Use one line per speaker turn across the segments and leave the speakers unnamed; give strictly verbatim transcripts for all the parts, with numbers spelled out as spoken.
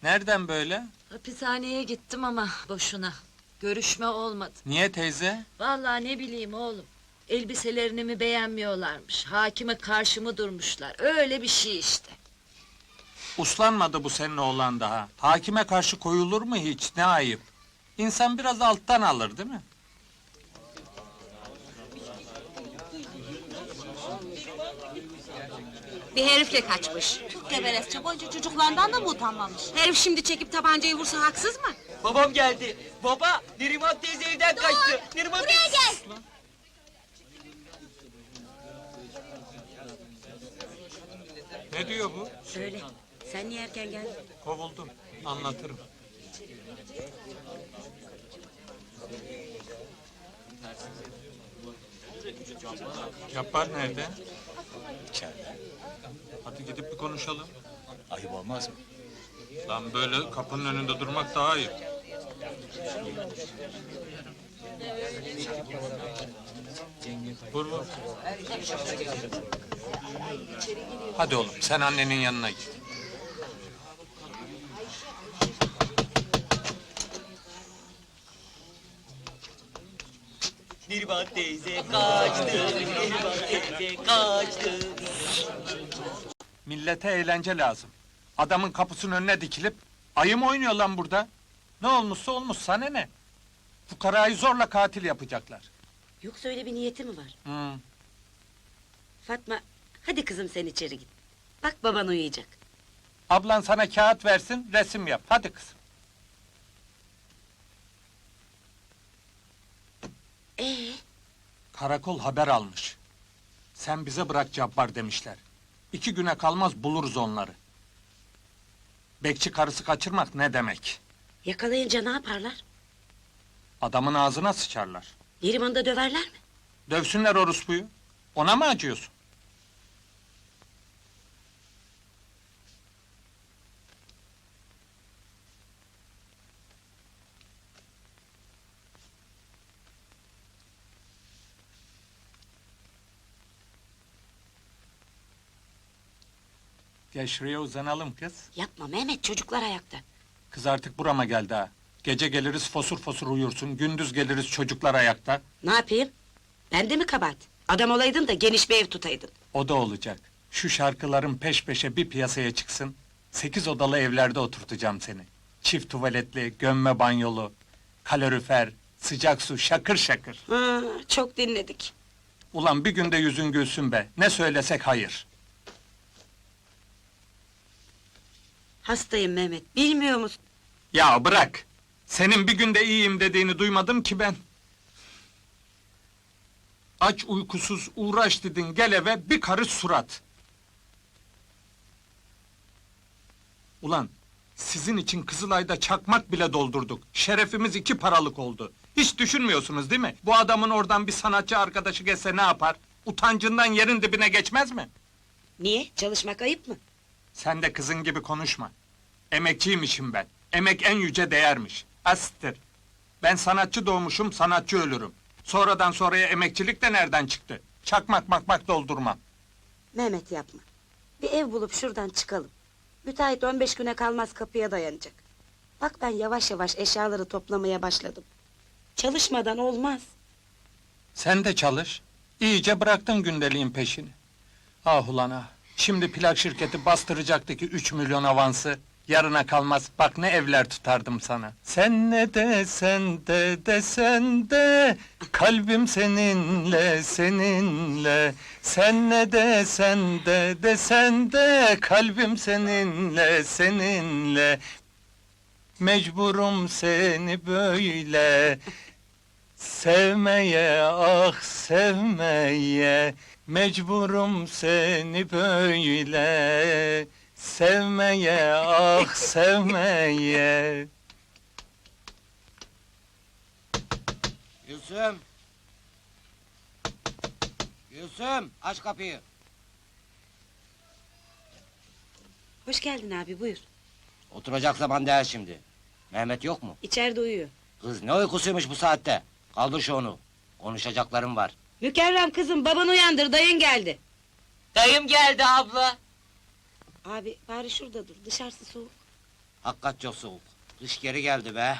Nereden böyle?
Hapishaneye gittim ama boşuna. Görüşme olmadı.
Niye teyze?
Vallahi ne bileyim oğlum. Elbiselerini mi beğenmiyorlarmış, hakime karşı mı durmuşlar, öyle bir şey işte.
Uslanmadı bu senin oğlan daha. Hakime karşı koyulur mu hiç? Ne ayıp. İnsan biraz alttan alır değil mi?
Bir herifle kaçmış.
Çok geberesçe, boyunca çocuklarından da mı utanmamış?
Herif şimdi çekip tabancayı vursa haksız mı?
Babam geldi. Baba, Neriman teyze evden kaçtı. Neriman
Buraya gel!
Ne diyor bu?
Söyle, sen niye erken geldin?
Kovuldum. Anlatırım. Yapar nerede?
İçeride.
Hadi gidip bir konuşalım.
Ayıp olmaz mı?
Lan böyle kapının önünde durmak daha iyi. Vur vur. Hadi oğlum sen annenin yanına git.
Neriman teyze kaçtı. Neriman teyze kaçtı.
Millete eğlence lazım. Adamın kapısının önüne dikilip ayı mı oynuyor lan burada? Ne olmuşsa olmuş, sana ne? Fukarayı zorla katil yapacaklar.
Yoksa öyle bir niyeti mi var?
Hmm.
Fatma, hadi kızım sen içeri git. Bak baban uyuyacak.
Ablan sana kağıt versin, resim yap. Hadi kızım.
Ee,
Karakol haber almış. Sen bize bırak Cabbar demişler. İki güne kalmaz buluruz onları. Bekçi karısı kaçırmak ne demek?
yakalayınca ne yaparlar?
Adamın ağzına sıçarlar.
Neriman'ı da döverler mi?
Dövsünler orospuyu. Ona mı acıyorsun? Gel şuraya uzanalım kız.
Yapma Mehmet, çocuklar ayakta.
Kız artık burama geldi ha. Gece geliriz fosur fosur uyursun, gündüz geliriz çocuklar ayakta.
Ne yapayım? Ben de mi kabahat? Adam olaydın da geniş bir ev tutaydın.
O da olacak. Şu şarkıların peş peşe bir piyasaya çıksın. Sekiz odalı evlerde oturtacağım seni. Çift tuvaletli, gömme banyolu, kalorifer, sıcak su, şakır şakır.
Ha, çok dinledik.
Ulan bir günde yüzün gülsün be. Ne söylesek hayır.
Hastayım Mehmet, bilmiyor musun?
Ya bırak! Senin bir günde iyiyim dediğini duymadım ki ben. Aç uykusuz uğraş dedin, gel eve bir karış surat. Ulan, sizin için Kızılay'da çakmak bile doldurduk. Şerefimiz iki paralık oldu. Hiç düşünmüyorsunuz değil mi? Bu adamın oradan bir sanatçı arkadaşı gelse ne yapar? Utancından yerin dibine geçmez mi?
Niye? Çalışmak ayıp mı?
Sen de kızın gibi konuşma. Emekçiymişim ben. Emek en yüce değermiş. Astır. Ben sanatçı doğmuşum, sanatçı ölürüm. Sonradan sonraya emekçilik de nereden çıktı? Çakmak makmak doldurmam.
Mehmet yapma. Bir ev bulup şuradan çıkalım. Müteahhit on beş güne kalmaz kapıya dayanacak. Bak ben yavaş yavaş eşyaları toplamaya başladım. Çalışmadan olmaz.
Sen de çalış. İyice bıraktın gündeliğin peşini. Ah ulan ah. Şimdi plak şirketi bastıracaktı ki üç milyon avansı. Yarına kalmaz, bak ne evler tutardım sana. Sen ne desen de desen de, kalbim seninle, seninle. Sen ne desen de desen de, kalbim seninle, seninle. Mecburum seni böyle sevmeye, ah sevmeye. Mecburum seni böyle sevmeye, ah sevmeye.
Gülsüm! Gülsüm, aç kapıyı!
Hoş geldin abi, buyur.
Oturacak zaman değil şimdi. Mehmet yok mu?
İçeride uyuyor.
Kız ne uykusuymuş bu saatte? Kaldır şu onu. Konuşacaklarım var.
Mükerrem kızım, baban uyandır, dayın geldi.
Dayım geldi abla.
Abi, bari şurada dur, dışarısı soğuk.
Hakikat çok soğuk. Kış geri geldi be.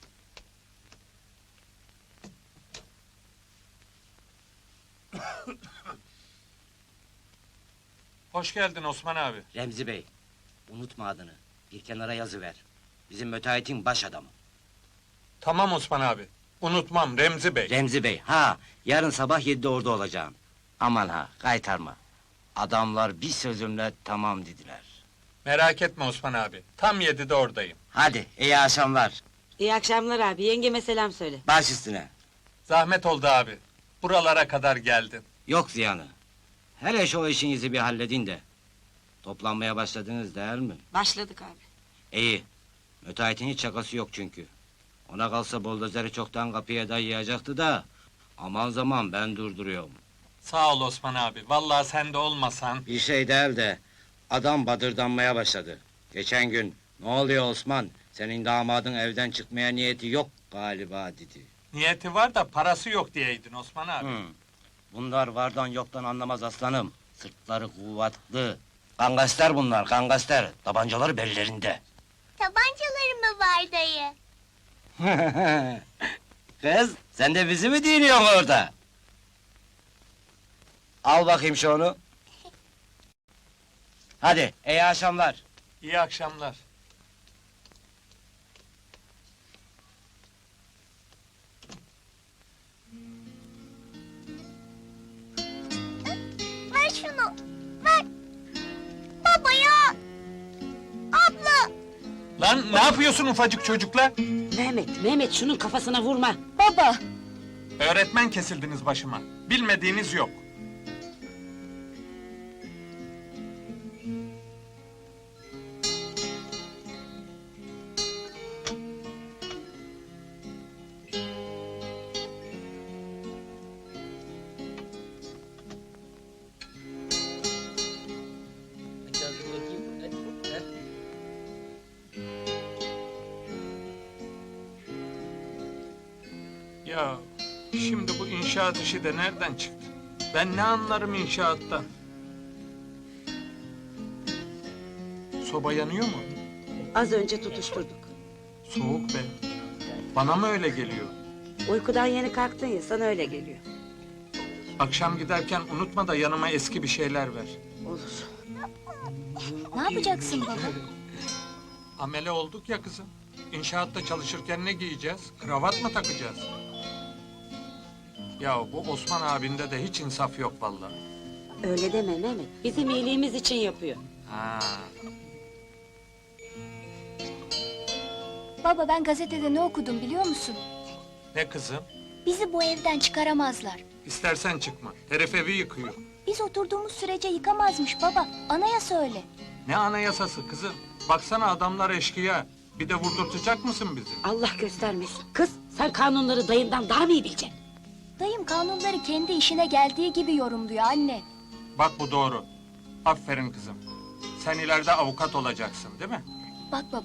Hoş geldin Osman abi.
Remzi Bey, unutma adını. Bir kenara yazıver. Bizim müteahhitin baş adamı.
Tamam Osman abi. Unutmam Remzi Bey.
Remzi Bey, ha, yarın sabah yedide orada olacağım. Aman ha, kaytarma. Adamlar bir sözümle tamam dediler.
Merak etme Osman abi. Tam yedide oradayım.
Hadi, iyi akşamlar.
İyi akşamlar abi. Yengeme selam söyle.
Baş üstüne.
Zahmet oldu abi. Buralara kadar geldin.
Yok ziyanı. Hele şu işinizi bir halledin de. Toplanmaya başladınız değil mi?
Başladık abi.
İyi. Müteahhitin hiç şakası yok çünkü. Ona kalsa buldozeri çoktan kapıya dayayacaktı da... Aman zaman ben durduruyorum.
Sağ ol Osman abi. Vallahi sen de olmasan.
Bir şey değil de... Adam badırdanmaya başladı. Geçen gün... Ne oluyor Osman? Senin damadın evden çıkmaya niyeti yok galiba dedi.
Niyeti var da parası yok diyeydin Osman abi.
Hı. Bunlar vardan yoktan anlamaz aslanım. Sırtları kuvvetli. Kangaster bunlar, kangaster. Tabancaları bellerinde.
Tabancaları mı var dayı?
Kız, sen de bizi mi dinliyorsun orada? Al bakayım şu onu. Hadi, iyi akşamlar.
İyi akşamlar.
Ver şunu. Ver. Baba ya. Abla.
Lan ne yapıyorsun ufacık çocukla?
Mehmet, Mehmet şunun kafasına vurma.
Baba.
Öğretmen kesildiniz başıma. Bilmediğiniz yok.
Yazdır bakayım. Hadi. Heh.
Ya şimdi bu inşaat işi de nereden çıktı? Ben ne anlarım inşaattan? Soba yanıyor mu?
Az önce tutuşturduk.
Soğuk be. Bana mı öyle geliyor?
Uykudan yeni kalktın ya, sana öyle geliyor.
Akşam giderken unutma da yanıma eski bir şeyler ver.
Olur.
Ne yapacaksın baba?
Amele olduk ya kızım. İnşaatta çalışırken ne giyeceğiz? Kravat mı takacağız? Ya bu Osman abinde de hiç insaf yok vallahi.
Öyle deme Mehmet. Bizim iyiliğimiz için yapıyor.
Ha.
Baba ben gazetede ne okudum biliyor musun?
Ne kızım?
Bizi bu evden çıkaramazlar.
İstersen çıkma. Herif evi yıkıyor.
Biz oturduğumuz sürece yıkamazmış baba. Anayasa öyle.
Ne anayasası kızım? Baksana adamlar eşkıya. Bir de vurdurtacak mısın bizi?
Allah göstermesin. Kız, sen kanunları dayından daha mı iyi bileceksin?
Dayım kanunları kendi işine geldiği gibi yorumluyor anne.
Bak bu doğru. Aferin kızım. Sen ileride avukat olacaksın değil mi?
Bak baba